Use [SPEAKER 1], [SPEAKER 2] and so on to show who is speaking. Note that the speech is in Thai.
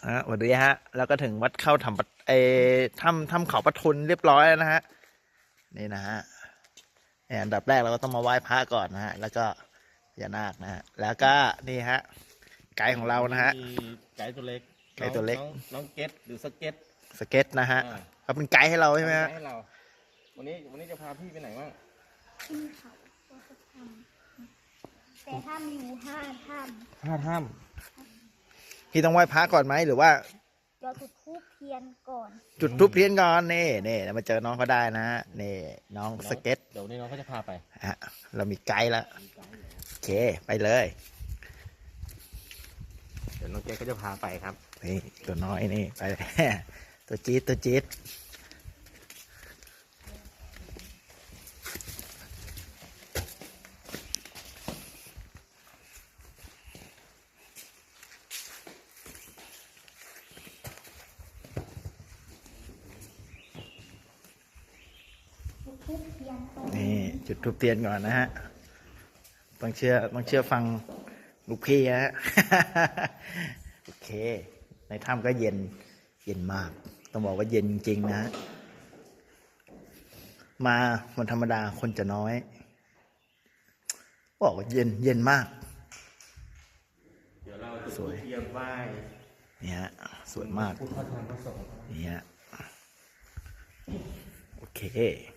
[SPEAKER 1] สวัสดีฮะแล้วก็ถึงวัดเข้าถ้ำถ้ำเขาปะทุนเรียบร้อยแล้วนะฮะนี่นะฮะอันดับแรกเราก็ต้องมาไหว้พระก่อนนะฮะแล้วก็พญานาคนะฮะแล้วก็นี่ฮะไกด์ของเรานะฮะ
[SPEAKER 2] ไก่ตัวเล็ก
[SPEAKER 1] ไกด์ตัวเล็ก
[SPEAKER 2] น้องเก็ตหรือสเก็ต
[SPEAKER 1] นะฮะเขาเป็นไกด์ให้เราใช่ไหมฮะ
[SPEAKER 2] ให้เราวันนี้จะพาพี่ไปไหนบ้าง
[SPEAKER 3] ขึ้นเขาวัดถ้ำแต่ถ้ำอยู่5 ถ้ำ
[SPEAKER 1] พี่ต้องไหว้พระก่อนไหมหรือว่า
[SPEAKER 3] เราจุดธูปเทียนก่อน
[SPEAKER 1] จุดธูปเทียนก่อนนี่มาเจอน้องเขาได้นะฮะนี่น้องสเก็ต
[SPEAKER 2] เดี๋ยวนี้น้องเขาจะพาไป
[SPEAKER 1] ฮะเรามีไกด์แล้วโอเคไปเลย
[SPEAKER 2] เดี๋ยวน้องเก็ตก็จะพาไปครับ
[SPEAKER 1] นี่ตัวน้อยนี่ไป ตัวจี๊ดนี่จุดธูปเทียนก่อนนะฮะต้องเชื่อฟังลูกพี่ฮะ โอเคในถ้ำก็เย็นมากต้องบอกว่าเย็นจริงๆนะมาวันธรรมดาคนจะน้อยบอกว่าเย็นมาก
[SPEAKER 2] เดี๋ยวเราสวยเทียมไหว้
[SPEAKER 1] นี่ฮะสวยมาก
[SPEAKER 2] ผู้เข้าทางพระสงฆ์
[SPEAKER 1] นี่ฮะโอเค